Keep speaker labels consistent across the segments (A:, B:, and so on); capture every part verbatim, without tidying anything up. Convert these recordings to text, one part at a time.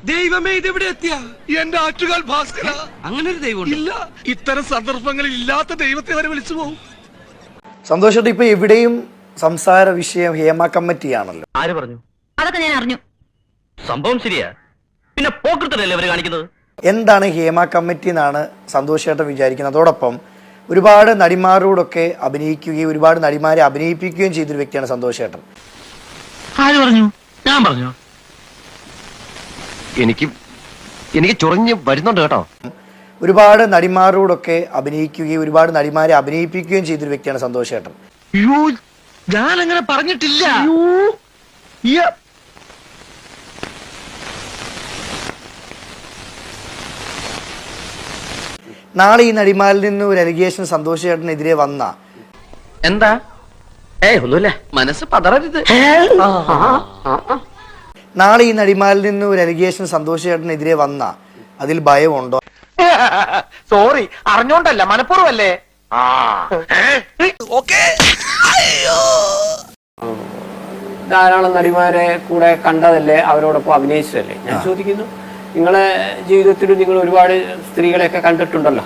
A: ദൈവമേ ഇതെവിടെ എത്തിയ
B: എന്റെ ആറ്റുകാൽ ഭാസ്കര,
A: അങ്ങനെ ഒരു ദൈവം
B: ഇല്ല. ഇത്തരം സന്ദർഭങ്ങളിൽ ഇല്ലാത്ത ദൈവത്തെ വരെ വിളിച്ചു പോകും.
C: സന്തോഷമായിട്ട് ഇപ്പൊ എവിടെയും സംസാര വിഷയം ഹേമ കമ്മിറ്റിയാണല്ലോ.
D: ആര് പറഞ്ഞു?
E: അതൊക്കെ ഞാൻ അറിഞ്ഞു.
D: സംഭവം ശരിയാ, പിന്നെ പോക്കൃത്തല്ലേ അവര് കാണിക്കുന്നത്?
C: എന്താണ് ഹേമ കമ്മിറ്റി എന്നാണ് സന്തോഷമായിട്ട് വിചാരിക്കുന്നത്. അതോടൊപ്പം ഒരുപാട് നടിമാരോടൊക്കെ അഭിനയിക്കുകയും ഒരുപാട് നടിമാരെ അഭിനയിപ്പിക്കുകയും ചെയ്തൊരു വ്യക്തിയാണ് സന്തോഷേട്ടൻ.
D: ആര് പറഞ്ഞു? ഞാൻ പറഞ്ഞു. എനിക്ക് എനിക്ക് ചൊറിഞ്ഞ് വരുന്നുണ്ട് കേട്ടോ.
C: ഒരുപാട് നടിമാരോടൊക്കെ അഭിനയിക്കുകയും ഒരുപാട് നടിമാരെ അഭിനയിപ്പിക്കുകയും ചെയ്തൊരു വ്യക്തിയാണ് സന്തോഷേട്ടൻ.
D: ഞാൻ അങ്ങനെ പറഞ്ഞിട്ടില്ല.
C: നാളെ ഈ നടിമാരിൽ നിന്ന് ഒരു അലിഗേഷൻ സന്തോഷേട്ടനെതിരെ വന്ന
D: എന്താ? ഏയ് ഒന്നുമില്ല, മനസ്സ് പതറരുത്.
C: നാളെ ഈ നടിമാരിൽ നിന്ന് ഒരു അലിഗേഷൻ സന്തോഷേട്ടനെതിരെ വന്ന അതിൽ ഭയമുണ്ടോ?
D: സോറി, അറിഞ്ഞോണ്ടല്ല, മനഃപൂർവ്വമല്ലേ.
F: ധാരാളം നടിമാരെ കൂടെ കണ്ടതല്ലേ, അവരോടൊപ്പം അഭിനയിച്ചതല്ലേ. ഞാൻ ചോദിക്കുന്നു, നിങ്ങളെ ജീവിതത്തിൽ നിങ്ങൾ ഒരുപാട് സ്ത്രീകളെയൊക്കെ കണ്ടിട്ടുണ്ടല്ലോ.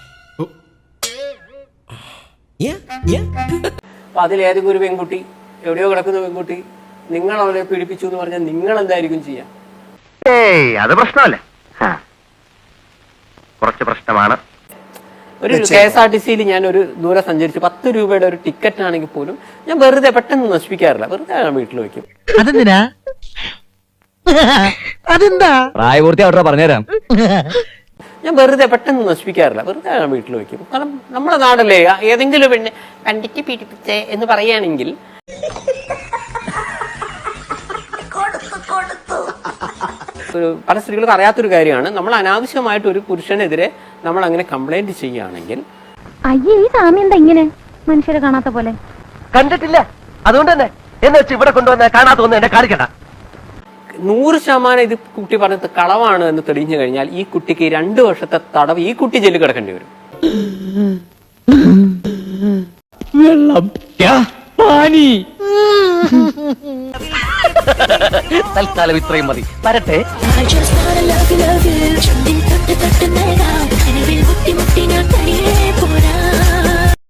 F: അപ്പൊ അതിലേതെങ്കിലും ഒരു പെൺകുട്ടി, എവിടെയോ കിടക്കുന്ന പെൺകുട്ടി നിങ്ങൾ അവരെ പീഡിപ്പിച്ചു എന്ന് പറഞ്ഞാൽ നിങ്ങൾ എന്തായിരിക്കും ചെയ്യാം?
D: ഏയ് അത് പ്രശ്നമല്ല, കുറച്ച് പ്രശ്നമാണ്.
F: ഒരു കെ എസ് ആർ ടി സിയിൽ ഞാൻ ഒരു ദൂരെ സഞ്ചരിച്ചു, പത്ത് രൂപയുടെ ഒരു ടിക്കറ്റ് ആണെങ്കിൽ പോലും ഞാൻ വെറുതെ പെട്ടെന്ന് നശിപ്പിക്കാറില്ല, വെറുതെ ഞാൻ വീട്ടിൽ വെക്കും.
G: അതെന്തിനാ? അതെന്താ?
D: പ്രായപൂർത്തി അവിടെ പറഞ്ഞുതരാം.
F: ഞാൻ വെറുതെ പെട്ടെന്ന് നശിപ്പിക്കാറില്ല, വെറുതെ ഞാൻ വീട്ടിൽ വെക്കും. കാരണം നമ്മുടെ നാടല്ലേ, ഏതെങ്കിലും പെണ്ണ് വണ്ടിക്ക് പീഡിപ്പിച്ചേ എന്ന് പറയുകയാണെങ്കിൽ പല സ്ത്രീകൾക്ക് അറിയാത്തൊരു കാര്യമാണ്, നമ്മൾ അനാവശ്യമായിട്ട് ഒരു പുരുഷനെതിരെ നമ്മൾ അങ്ങനെ കംപ്ലൈന്റ് ചെയ്യുകയാണെങ്കിൽ
E: അയ്യേ, ഈ സാമി എന്താ ഇങ്ങനെ മനുഷ്യരെ കാണാത്ത പോലെ?
D: കണ്ടിട്ടില്ല, അതുകൊണ്ട് തന്നെ എന്ന് വെച്ച് ഇവിടെ കൊണ്ടുവന്ന കാണാത്ത ഒന്നും എന്നെ കാണിക്കണ്ട.
F: നൂറ് ശതമാനം ഇത് കുട്ടി പറഞ്ഞത് കളവാണ് എന്ന് തെളിഞ്ഞു കഴിഞ്ഞാൽ ഈ കുട്ടിക്ക് രണ്ടു വർഷത്തെ തടവ്, ഈ കുട്ടി ജയിലിൽ കിടക്കേണ്ടി വരും.
D: വെള്ളം തൽക്കാലം ഇത്രയും മതി, വരട്ടെ.
H: I just wanna love you, love you. ചുണ്ടിൽ തൊട്ട് തൊട്ട് നൽകാം, കനവിൽ മുട്ടി മുട്ടി ഞാൻ തനിയെ പോരാ.